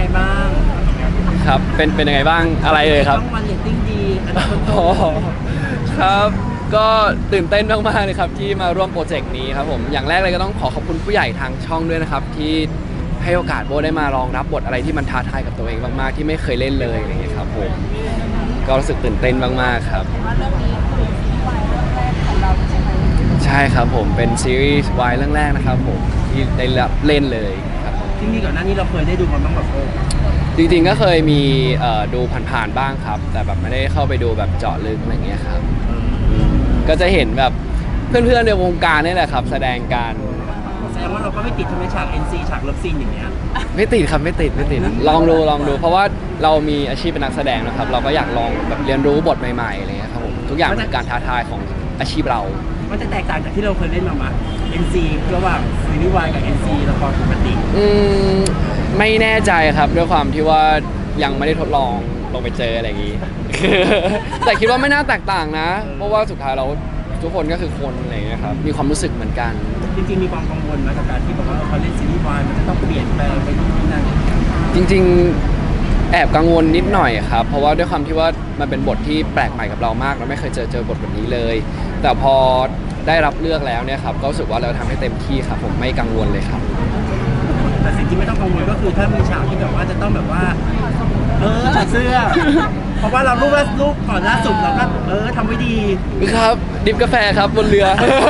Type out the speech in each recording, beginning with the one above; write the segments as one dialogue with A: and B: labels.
A: บ้าง
B: ครับเป็นยังไงบ้างอะไรเลยครับ
A: ช่องวันเรตติ้งดีอันดับต้น
B: อ๋อครับก็ตื่นเต้นมากๆเลยครับที่มาร่วมโปรเจกต์นี้ครับผมอย่างแรกเลยก็ต้องขอขอบคุณผู้ใหญ่ทางช่องด้วยนะครับที่ให้โอกาสโบได้มาลองรับบทอะไรที่มันท้าทายกับตัวเองมากๆที่ไม่เคยเล่นเลยอะไรอย่างเงี้ยครับผมก็รู้สึกตื่นเต้นมากๆครับ
C: ว่าเรื่องนี้คือซีรีส์วายเรื่องแรกของเราใช่ไหม
B: ใช่ครับผมเป็นซีรีส์วายเรื่องแรกนะครับผมที่ได้รับเล่นเลยครับ
A: ที่มีก่อนหน้านี้เราเคยได้ดูมันบ้างแบบ
B: จริงๆก็เคยมีดูผ่านๆบ้างครับแต่แบบไม่ได้เข้าไปดูแบบเจาะลึกอะไรเงี้ยครับก็จะเห็นแบบเพื่อนๆในวงการนี่แหละครับแสดงการ
A: แสดงว่าเราก็ไม่ติดใช่ไหมฉาก NC ฉากเลิฟซีนอย่างเงี้ย
B: ไม่ติดครับไม่ติดลองดูเพราะว่าเรามีอาชีพเป็นนักแสดงนะครับเราก็อยากลองแบบเรียนรู้บทใหม่ๆอะไรเงี้ยครับผมทุกอย่างเป็นการท้าทายของอาชีพเรา
A: มันจะแตกต่างจากที่เราเคยเล่นมาไหม NC ระหว่างซีรีส์วายกับ NC ละครปกติ
B: ไม่แน่ใจครับด้วยความที่ว่ายังไม่ได้ทดลองลงไปเจออะไรอย่างนี้ แต่คิดว่าไม่น่าแตกต่างนะเพราะว่าสุดท้ายเราทุกคนก็คือคนอะไรอย่างเงี้ยครับมีความรู้สึกเหมือนกัน
A: จริงๆมีความกังวลไหมกับการที่แบบว่าเขาเล่นซีรีส์วายมันจะต้องเปลี่ยนแปลงไปนู่นนี่นั่น
B: จริงๆแอบกังวลนิดหน่อยครับเพราะว่าด้วยความที่ว่ามันเป็นบทที่แปลกใหม่กับเรามากเราไม่เคยเจอบทแบบนี้เลยแต่พอได้รับเลือกแล้วเนี่ยครับก็รู้สึกว่าเราทำให้เต็มที่ครับผมไม่กังวลเลยครับ
A: แต่สิ่งที่ไม่ต้องกังวลก็คือถ้ามีฉากที่แบบว่าจะต้องแบบว่าถอดเสื้อเพราะว่าเรารูปก่อนล่าสุดเราก็ทำไว้ดี
B: ครับดิบกาแฟครับบนเรือ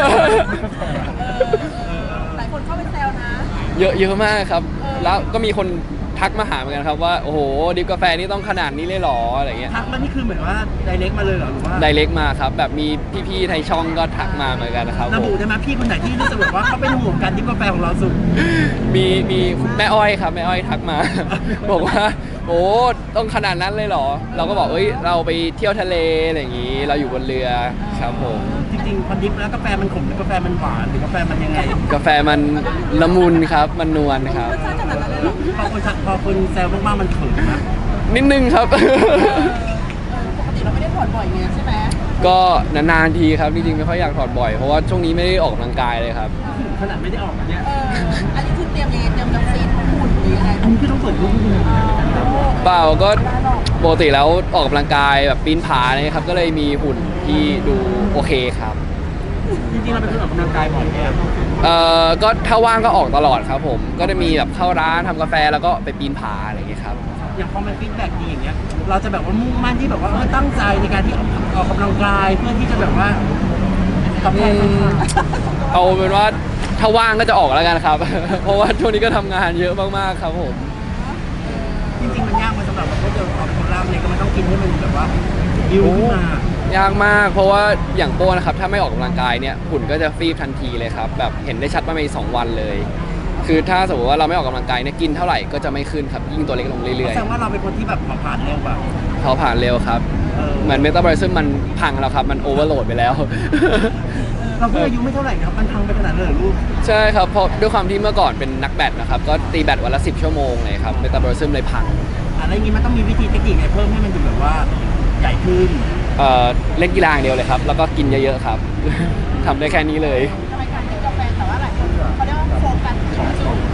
C: หลายคนเข้าไปแซวนะ
B: เยอะมากครับแล้วก็มีคนทักมาหาเหมือนกันครับว่าโอ้โหดิบกาแฟนี่ต้องขนาดนี้เลยหรออะไรเงี้ย
A: ทักมานี่คือเหมือนว่าไดเรกมาเลยเหรอหรือว่า
B: ไดเรกมาครับแบบมีพี่ๆในช่องก็ทักมาเหมือนกันนะครับ
A: ระบุได้ไหมพี่คนไหนที่รู้สึกว่าเขาเป็นห่วงกันดิบกาแฟของเราสุด
B: มีแม่อ้อยครับแม่อ้อยทักมาบอกว่าโอ้ต้องขนาดนั้นเลยเหรอเราก็บอกเราไปเที่ยวทะเลอะไรอย่างงี้เราอยู่บนเรือครับผม
A: จริงๆพอดิบแล้วกาแฟมันขมหรือกาแฟมันหวานหรือกาแฟมันยังไง
B: กาแฟมันละมุนครับมันนวลครับ
A: พอคนแซวมากๆมันเขินนะ
B: นิดนึงครับ
C: ปกติเราไม่ได้ถอดบ่อยไงใช่ไหม
B: ก็นานๆทีครับจริงๆไม่ค่อยอยากถอดบ่อยเพราะว่าช่วงนี้ไม่ได้ออกกำลังกายเลยครับ
A: ขนาดไม่ได้ออกเนี่ย
C: อันนี้คือเตรียมยังไงเตรียมจะฟีดหุ่นหรือยังไง
A: อันนี้คือต้องเปิดรูปดู
B: เปล่าก็ปกติแล้วออกกำลังกายแบบปีนผาเนี่ยครับก็เลยมีหุ่นที่ดูโอเคครับ
A: จริงๆเราเป็นคนออกกำลังกายบ่อยไหม
B: ก็ถ้าว่างก็ออกตลอดครับผมก็จะมีแบบเข้าร้านทำกาแฟแล้วก็ไปปีนผาอะไรอย่างเงี้ยครับ
A: อย่างพอมันฟีดแบ็กดีอย่างเงี้ยเราจะแบบว่ามุ่งมั่นที่แบบว่าตั้งใจในการที่ออกกำลังกายเพื่อที่จะแบบว่า
B: เอาเป็นว่าถ้าว่างก็จะออกแล้วกันครับเพราะว่าช่วงนี้ก็ทำงานเยอะมากๆครับผม
A: จริงๆมันยากมาสำหรับเราเจอของคนเราเนี่ยก็มันต้องกินให้มันแบบว่าดิวขึ้นม
B: ายากมากเพราะว่าอย่างโป้นะครับถ้าไม่ออกกำลังกายเนี่ยหุ่นก็จะฟีบทันทีเลยครับแบบเห็นได้ชัดว่าใน2 วันเลยคือถ้าสมมติว่าเราไม่ออกกำลังกายเนี่ยกินเท่าไหร่ก็จะไม่ขึ้นครับยิ่งตัวเล็กลงเรื่อยๆ
A: แสดงว่าเราเป็นคนที่แบบผ่านเร็วแบบ
B: เขาผ่านเร็วครับเหมือนเมตาบอลิซึมมันพังแล้วครับมันโอเวอร์โหลดไปแล้ว
A: เราก็อายุไม่เท่าไหร่ครับมันพังไปขนาดนั้นเลยลูก
B: ใช่ครับเพราะด้วยความที่เมื่อก่อนเป็นนักแบดนะครับก็ตีแบดวันละ10 ชั่วโมงเลยครับเมตาบอลิซึมเลยพัง
A: อะไรอย่างนี้มันต้องมีวิธีเทคนิคไงเพิ่มให้มันดูแบบว่าใหญ่ขึ้น
B: เล่นกีฬาอย่างเดียวเลยครับแล้วก็กินเยอะๆครับทำได้แค่นี้เลย
C: ทำไมการกินกาแฟแต่ว่าหลายคนเขาเรียกว่าโฟกัสของสูง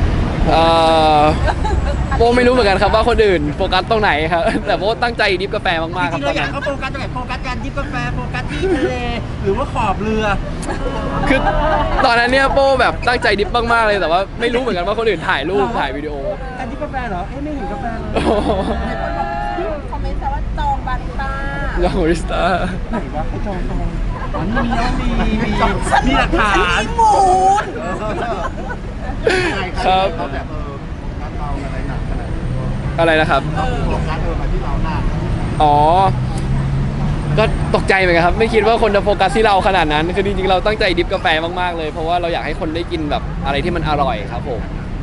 B: โบไม่รู้เหมือนกันครับว่าคนอื่นโฟกัสตรงไหนครับแต่โบตั้งใจดิฟกาแฟมากๆครับ
A: จริงๆเราอยากเขาโฟกัสตรงไหนโฟกัสการดิฟกาแฟโฟกัสที่ทะเลหรือว่าขอบเรือ
B: คือตอนนั้นเนี่ยโบแบบตั้งใจดิฟมากๆเลยแต่ว่าไม่รู้เหมือนกันว่าคนอื่นถ่ายรูปถ่ายวิดีโอ
A: การดิฟกาแฟเหรอไม่เห็นกาแฟเลย
C: คอมเมนต์แต่ว่าจองบาริสต้า
B: จองบาริสต้า
A: ไหนวะเขาจองมีหลักฐาน
C: มีมูล
B: ครับอะไรนะครับอ๋อก็ตกใจเหมือนกันครับไม่คิดว่าคนจะโฟกัสที่เราขนาดนั้นคือจริงๆเราตั้งใจดิฟกาแฟมากๆเลยเพราะว่าเราอยากให้คนได้กินแบบอะไรที่มันอร่อยครับผม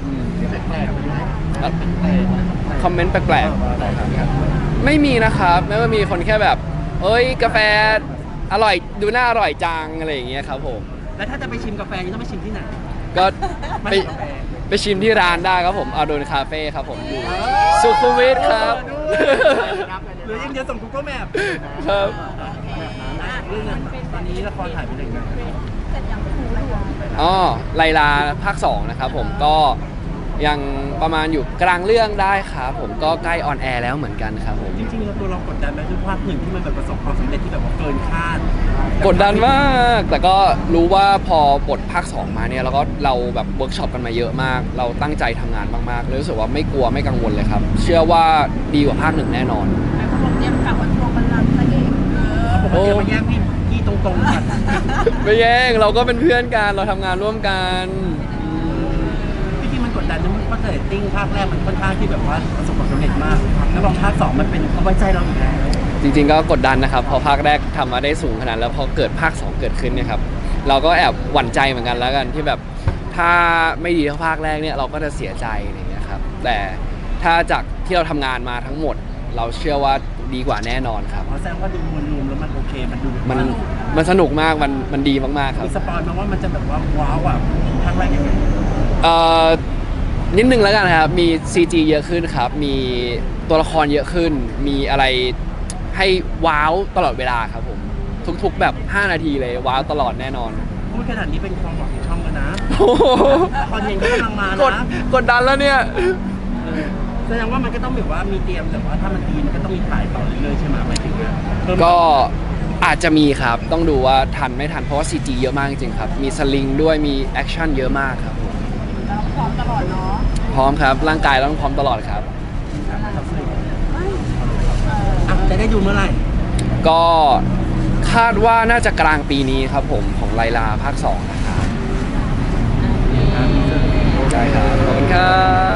B: คอมเมนต์แปลกๆไม่มีนะครับไม่ว่ามีคนแค่แบบกาแฟอร่อยดูน่าอร่อยจังอะไรอย่างเงี้ยครับผม
A: แล้วถ้าจะไปชิมกาแฟนี่ต้องไปชิมที่ไหน
B: ก็ไปชิมที่ร้านได้ครับผมอาโดนคาเฟ่ครับผมอยู่สุขุมวิทครับ
A: หรือยังจะส่ง Google Map
B: ครับ
A: เรื่องตอนนี้ละครถ่ายไปถึงไหน
B: ไลลาภาค 2นะครับผมก็ยังประมาณอยู่กลางเรื่องได้ครับผมก็ใกล้ออนแอร์แล้วเหมือนกันครับผม
A: จริงๆแล้วตัวเรากดดันไหมด้วยภาคหนึ่งที่มันแบบประสบความสำเร็จที่แบบว่าเกินคาด
B: กดดันมาก แต่ก็รู้ว่าพอบทภาค 2 มาเนี่ยเราแบบเวิร์กช็อปกันมาเยอะมาก เราตั้งใจทำงานมากๆเลยรู้สึกว่าไม่กลัวไม่กังวลเลยครับ เชื่อว่าดีกว่าภาค 1แน่นอน
C: ไอ้พวกเตรียมกลับมาทวงบัลลังก์พระเอก
A: ผมว่าเดี๋ยวมาแย่งพี่ตรงๆกัน
B: ไม่แย่งเราก็เป็นเพื่อนกันเราทำงานร่วมกัน
A: พี่ที่มันกดดันนะเพราะเรตติ้งภาคแรกมันค่อนข้างที่แบบว่าประสบความสำเร็จมาก แล้วพอภาค 2มันเป็นเขาไว้ใจเราอีกแล้ว
B: จริงๆก็กดดันนะครับพอภาคแรกทำมาได้สูงขนาดแล้วพอเกิดภาค 2 เกิดขึ้นเนี่ยครับเราก็แอบหวั่นใจเหมือนกันแล้วกันที่แบบถ้าไม่ดีเท่าภาคแรกเนี่ยเราก็จะเสียใจอะไรอย่างเงี้ยครับแต่ถ้าจากที่เราทำงานมาทั้งหมด เราเชื่อว่าดีกว่าแน่นอนครับ
A: เพราะแสดงว่าดูมวลรวมแล้วมันโอเคมันดู
B: มันสนุกมากมันดีมากๆครับ
A: มีสปอยล์มาว่ามันจะแบบว่าว้าวอ่ะภาคแรกยังไง
B: เอ่อนิดนึงแล้วกันครับ มี CG เยอะขึ้นครับ มีตัวละครเยอะขึ้น มีอะไรให้ว้าวตลอดเวลาครับผม ทุกๆแบบ 5 นาทีเลยว้าวตลอดแน่นอน
A: พูดขนาดนี้เป็นความหวังของช่องกันนะ
B: โอ้โห
A: ละครเย็นก็กำลังมาก
B: ด
A: นะ
B: กดดันแล้วเนี่ย
A: แสดงว่ามันก็ต้องแบบว่ามีเตรียมแต่ว่าถ้ามันดีมันก็ต้องมีถ่ายต่อเรื่อยๆใช่ไหมหมายถึงว่าเพิ่ม
B: ก็อาจจะมีครับ ต้องดูว่าทันไม่ทัน เพราะว่า CG เยอะมากจริงๆครับ มีสลิงด้วย มีแอคชั่นเยอะมากครับผม
C: เราพร้อมตลอดเนาะ
B: พร้อมครับ ร่างกายต้องพร้อมตลอดครับ
A: จะได้ดูเมื่อไหร่
B: ก็คาดว่าน่าจะกลางปีนี้ครับผมของไลลาภาค 2 นะครับใช่ครับ ขอบคุณครับ